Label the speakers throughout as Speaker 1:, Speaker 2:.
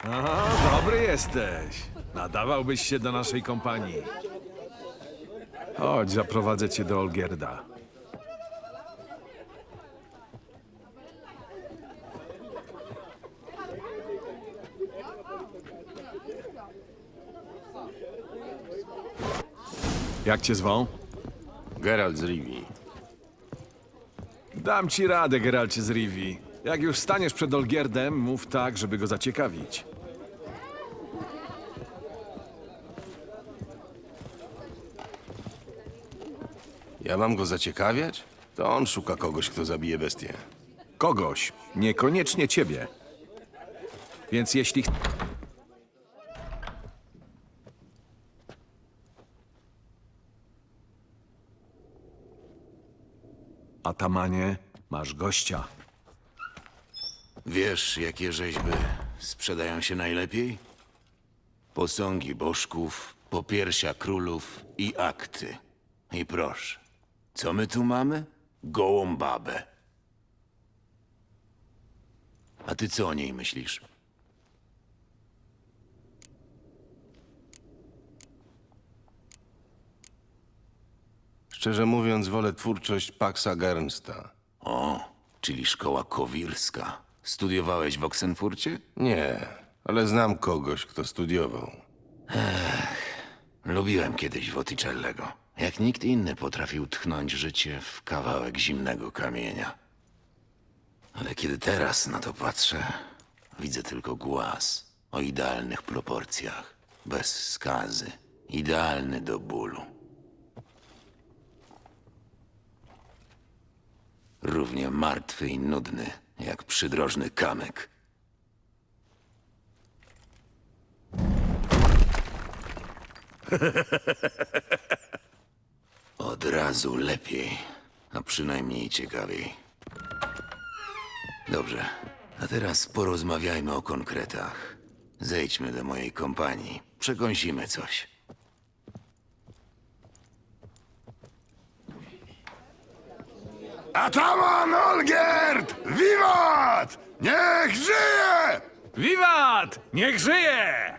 Speaker 1: Aha, dobry jesteś. Nadawałbyś się do naszej kompanii. Chodź, zaprowadzę cię do Olgierda. Jak cię zwą?
Speaker 2: Geralt z Rivii.
Speaker 1: Dam ci radę, Geralcie z Rivii. Jak już staniesz przed Olgierdem, mów tak, żeby go zaciekawić.
Speaker 2: Ja mam go zaciekawiać? To on szuka kogoś, kto zabije bestię.
Speaker 1: Kogoś, niekoniecznie ciebie. Więc jeśli... Atamanie, masz gościa.
Speaker 3: Wiesz, jakie rzeźby sprzedają się najlepiej? Posągi bożków, popiersia królów i akty. I proszę, co my tu mamy? Gołą babę. A ty co o niej myślisz?
Speaker 2: Szczerze mówiąc, wolę twórczość Paxa Gernsta.
Speaker 3: O, czyli szkoła kowirska. Studiowałeś w Oksenfurcie?
Speaker 2: Nie, ale znam kogoś, kto studiował.
Speaker 3: Lubiłem kiedyś Wotticellego. Jak nikt inny potrafił tchnąć życie w kawałek zimnego kamienia. Ale kiedy teraz na to patrzę, widzę tylko głaz o idealnych proporcjach, bez skazy, idealny do bólu. Równie martwy i nudny, jak przydrożny kamyk. Od razu lepiej, a przynajmniej ciekawiej. Dobrze, a teraz porozmawiajmy o konkretach. Zejdźmy do mojej kompanii, przekąsimy coś.
Speaker 4: Ataman Olgierd! Wiwat! Niech żyje!
Speaker 1: Wiwat! Niech żyje!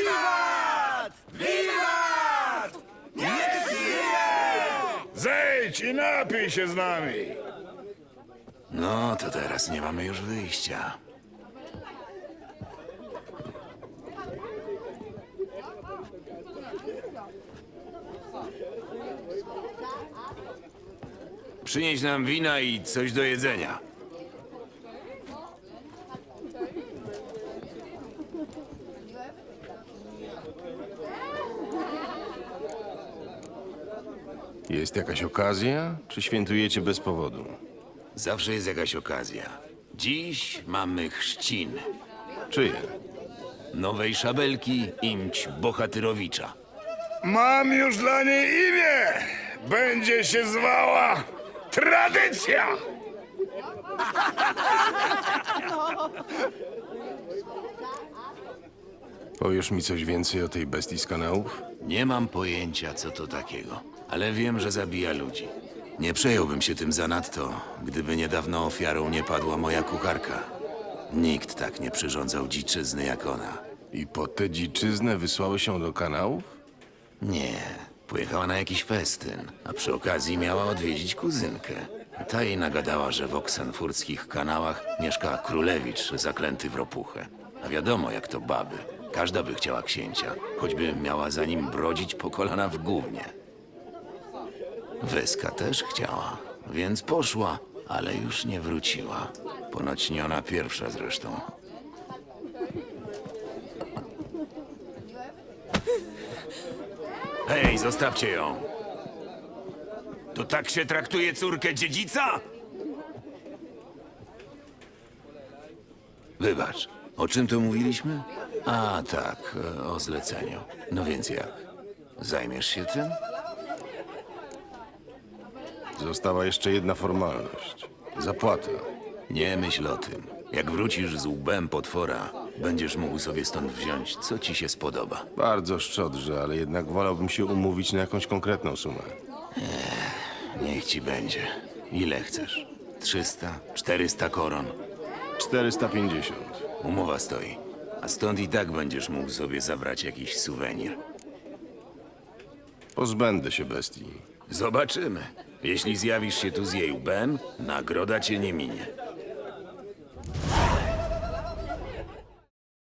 Speaker 4: Zejdź i napij się z nami!
Speaker 3: No, to teraz nie mamy już wyjścia. Przynieś nam wina i coś do jedzenia.
Speaker 2: Jest jakaś okazja, czy świętujecie bez powodu?
Speaker 3: Zawsze jest jakaś okazja. Dziś mamy chrzcin.
Speaker 2: Czyje?
Speaker 3: Nowej szabelki imć Bohatyrowicza.
Speaker 4: Mam już dla niej imię! Będzie się zwała Tradycja!
Speaker 2: Powiesz mi coś więcej o tej bestii z kanałów?
Speaker 3: Nie mam pojęcia, co to takiego, ale wiem, że zabija ludzi. Nie przejąłbym się tym zanadto, gdyby niedawno ofiarą nie padła moja kucharka. Nikt tak nie przyrządzał dziczyzny jak ona.
Speaker 2: I po tę dziczyznę wysłały się do kanałów?
Speaker 3: Nie, pojechała na jakiś festyn, a przy okazji miała odwiedzić kuzynkę. Ta jej nagadała, że w oksenfurckich kanałach mieszka królewicz zaklęty w ropuchę. A wiadomo, jak to baby. Każda by chciała księcia, choćby miała za nim brodzić po kolana w gównie. Weska też chciała, więc poszła, ale już nie wróciła. Ponoć nie ona pierwsza zresztą. Hej, zostawcie ją! To tak się traktuje córkę dziedzica? Wybacz, o czym tu mówiliśmy? A tak, o zleceniu. No więc jak? Zajmiesz się tym?
Speaker 2: Została jeszcze jedna formalność. Zapłata.
Speaker 3: Nie myśl o tym. Jak wrócisz z łbem potwora, będziesz mógł sobie stąd wziąć, co ci się spodoba.
Speaker 2: Bardzo szczodrze, ale jednak wolałbym się umówić na jakąś konkretną sumę.
Speaker 3: Niech ci będzie. Ile chcesz? 300? 400 koron?
Speaker 2: 450.
Speaker 3: Umowa stoi. A stąd i tak będziesz mógł sobie zabrać jakiś suwenir.
Speaker 2: Pozbędę się bestii.
Speaker 3: Zobaczymy. Jeśli zjawisz się tu z jej łbem, nagroda cię nie minie.